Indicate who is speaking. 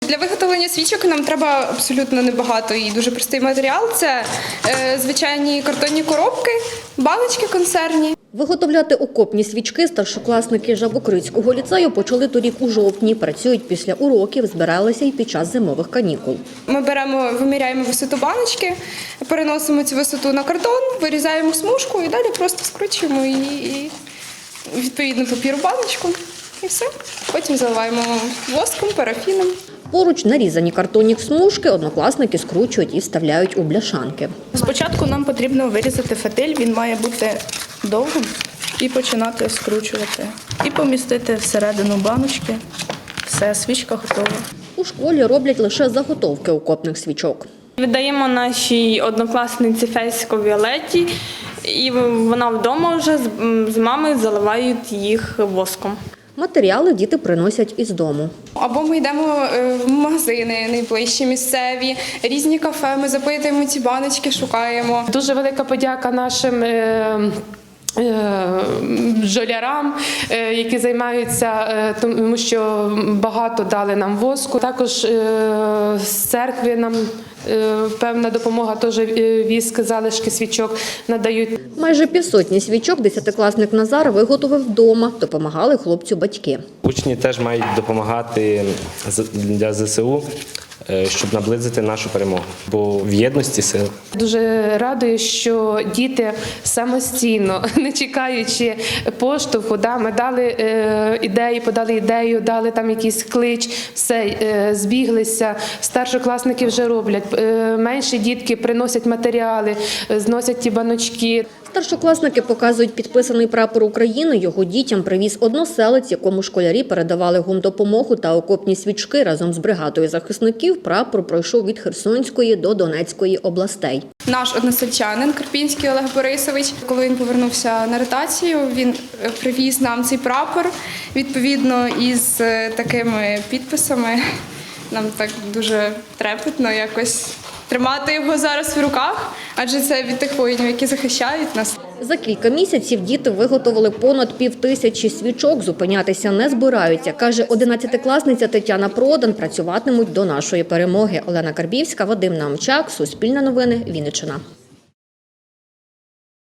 Speaker 1: Для виготовлення свічок нам треба абсолютно небагато і дуже простий матеріал. Це звичайні картонні коробки, баночки консервні.
Speaker 2: Виготовляти окопні свічки старшокласники Жабокрицького ліцею почали торік у жовтні. Працюють після уроків, збиралися й під час зимових канікул.
Speaker 1: Ми виміряємо висоту баночки, переносимо цю висоту на картон, вирізаємо смужку і далі просто скручуємо її і відповідно папір у баночку. І все. Потім заливаємо воском, парафіном.
Speaker 2: Поруч нарізані картонні смужки однокласники скручують і вставляють у бляшанки.
Speaker 3: Спочатку нам потрібно вирізати фитиль, він має бути довгим, і починати скручувати. І помістити всередину баночки. Все, свічка готова.
Speaker 2: У школі роблять лише заготовки окопних свічок.
Speaker 4: Віддаємо нашій однокласниці Фесько Віолетті, і вона вдома вже з мамою заливають їх воском.
Speaker 2: Матеріали діти приносять із дому.
Speaker 1: Або ми йдемо в магазини найближчі, місцеві, різні кафе, ми запитуємо ці баночки, шукаємо.
Speaker 5: Дуже велика подяка нашим бджолярам, які займаються, тому що багато дали нам воску. Також з церкви нам певна допомога, теж віск, залишки свічок надають.
Speaker 2: Майже півсотні свічок десятикласник Назар виготовив вдома. Допомагали хлопцю батьки.
Speaker 6: Учні теж мають допомагати для ЗСУ, щоб наблизити нашу перемогу, бо в єдності сил.
Speaker 5: Дуже радує, що діти самостійно, не чекаючи поштовху, ми дали ідеї, подали ідею, дали там якийсь клич, все, збіглися. Старшокласники вже роблять. Менші дітки приносять матеріали, зносять ті баночки.
Speaker 2: Старшокласники показують підписаний прапор України. Його дітям привіз односелець, якому школярі передавали гумдопомогу та окопні свічки. Разом з бригадою захисників прапор пройшов від Херсонської до Донецької областей.
Speaker 1: Наш односельчанин Карпінський Олег Борисович, коли він повернувся на ротацію, він привіз нам цей прапор, відповідно, із такими підписами. Нам так дуже трепетно якось тримати його зараз в руках, адже це від тих воїнів, які захищають нас.
Speaker 2: За кілька місяців діти виготовили понад 5000 свічок. Зупинятися не збираються, каже 11-класниця Тетяна Продан. Працюватимуть до нашої перемоги. Олена Карбівська, Вадим Наумчак, Суспільне новини, Вінниччина.